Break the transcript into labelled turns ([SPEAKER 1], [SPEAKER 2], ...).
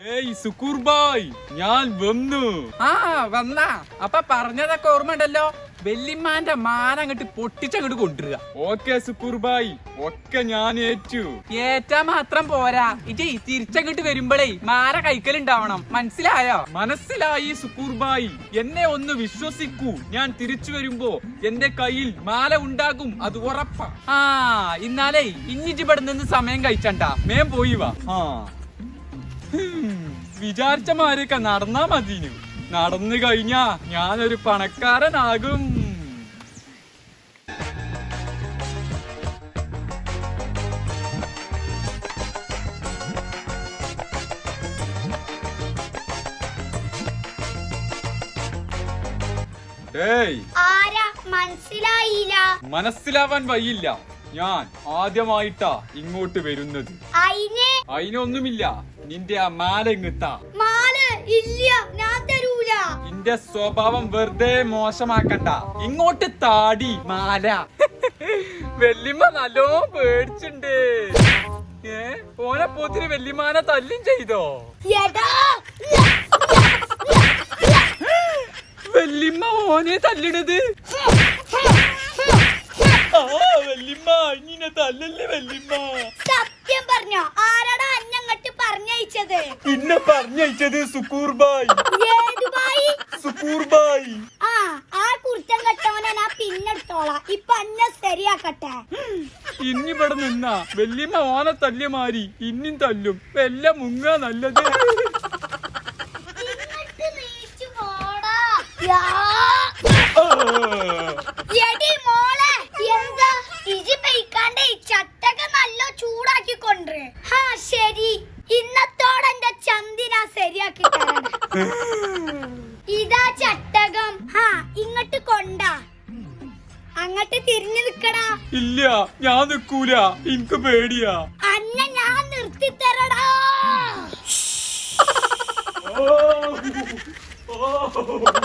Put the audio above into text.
[SPEAKER 1] ഏയ് സുക്കൂർ ബായ്, ഞാൻ വന്നു.
[SPEAKER 2] വന്ന അപ്പൊ പറഞ്ഞതൊക്കെ ഓർമ്മയുണ്ടല്ലോ. വെല്ലിമാന്റെ മാന അങ്ങോട്ട് പൊട്ടിച്ചങ്ങോട്ട് കൊണ്ടുവരിക.
[SPEAKER 1] ഓക്കെ സുക്കൂർ ബായ്, ഒക്കെ ഞാൻ ഏറ്റു.
[SPEAKER 2] ഏറ്റാ മാത്രം പോരാ, ഇജയ് തിരിച്ചങ്ങോട്ട് വരുമ്പോഴേ മാല കൈക്കലുണ്ടാവണം. മനസ്സിലായോ?
[SPEAKER 1] മനസ്സിലായി സുക്കൂർ ബായ്, എന്നെ ഒന്ന് വിശ്വസിക്കൂ. ഞാൻ തിരിച്ചു വരുമ്പോ എന്റെ കയ്യിൽ മാല ഉണ്ടാകും, അത് ഉറപ്പാ.
[SPEAKER 2] ഇന്നാലേ ഇഞ്ഞിജിവിടെ നിന്ന് സമയം കഴിച്ചണ്ട,
[SPEAKER 1] മേം പോയി വാ. വിചാരിച്ച മാരൊക്കെ നടന്നാ മതിനു. നടന്നു കഴിഞ്ഞാ ഞാനൊരു പണക്കാരനാകും. മനസ്സിലാവാൻ വയ്യില്ല. ഞാൻ ആദ്യമായിട്ടാ ഇങ്ങോട്ട് വരുന്നത്. അതിനൊന്നുമില്ല, നിന്റെ ആ മാല ഇങ്ങത്താ. നിന്റെ സ്വഭാവം വെറുതെ മോശമാക്കണ്ട. ഇങ്ങോട്ട് താടി മാല. വെല്ലിമ്മ നല്ലോ പേടിച്ചുണ്ട്. ഓനെ പോത്തിന് വെല്ലിമാനെ തല്ലും ചെയ്തോ? വെല്ലിമ്മ ഓനെ തല്ലിടത്. വെല്ലിമ്മ ഇങ്ങനെ തല്ലല്ലേ വെല്ലിമ്മ.
[SPEAKER 3] സത്യം പറഞ്ഞോ? ആരാടാ അന്നങ്ങട്ട് പറഞ്ഞയച്ചത്?
[SPEAKER 1] പിന്നെ പറഞ്ഞയച്ചത് സുക്കൂർ ബായ്.
[SPEAKER 3] ഏത് ബായ്?
[SPEAKER 1] സുക്കൂർ ബായ്.
[SPEAKER 3] ആ കുർത്തം കെട്ടവനെ ഞാൻ പിന്നെടുത്തോളാം. ഇപ്പൊ അന്നെ ശരിയാക്കട്ടെ.
[SPEAKER 1] ഇന്നിവിടെ നിന്നാ വെല്ലിമ്മ ഓനെ തല്ലിയ മാരി ഇന്നും തല്ലും. വെല്ല മുങ്ങ നല്ലത്.
[SPEAKER 3] ശരി, ഇന്നത്തോടെ എന്റെ ചന്തിനാ ശരിയാക്കി തരണം. ഇതാ ചട്ടകം. ഇങ്ങോട്ട് കൊണ്ടാ. അങ്ങോട്ട് തിരിഞ്ഞു നിക്കടാ.
[SPEAKER 1] ഇല്ല, ഞാൻ നിക്കൂല. എനിക്ക് പേടിയാ.
[SPEAKER 3] അന്നെ ഞാൻ നിർത്തിത്തരടാ.
[SPEAKER 1] ഓ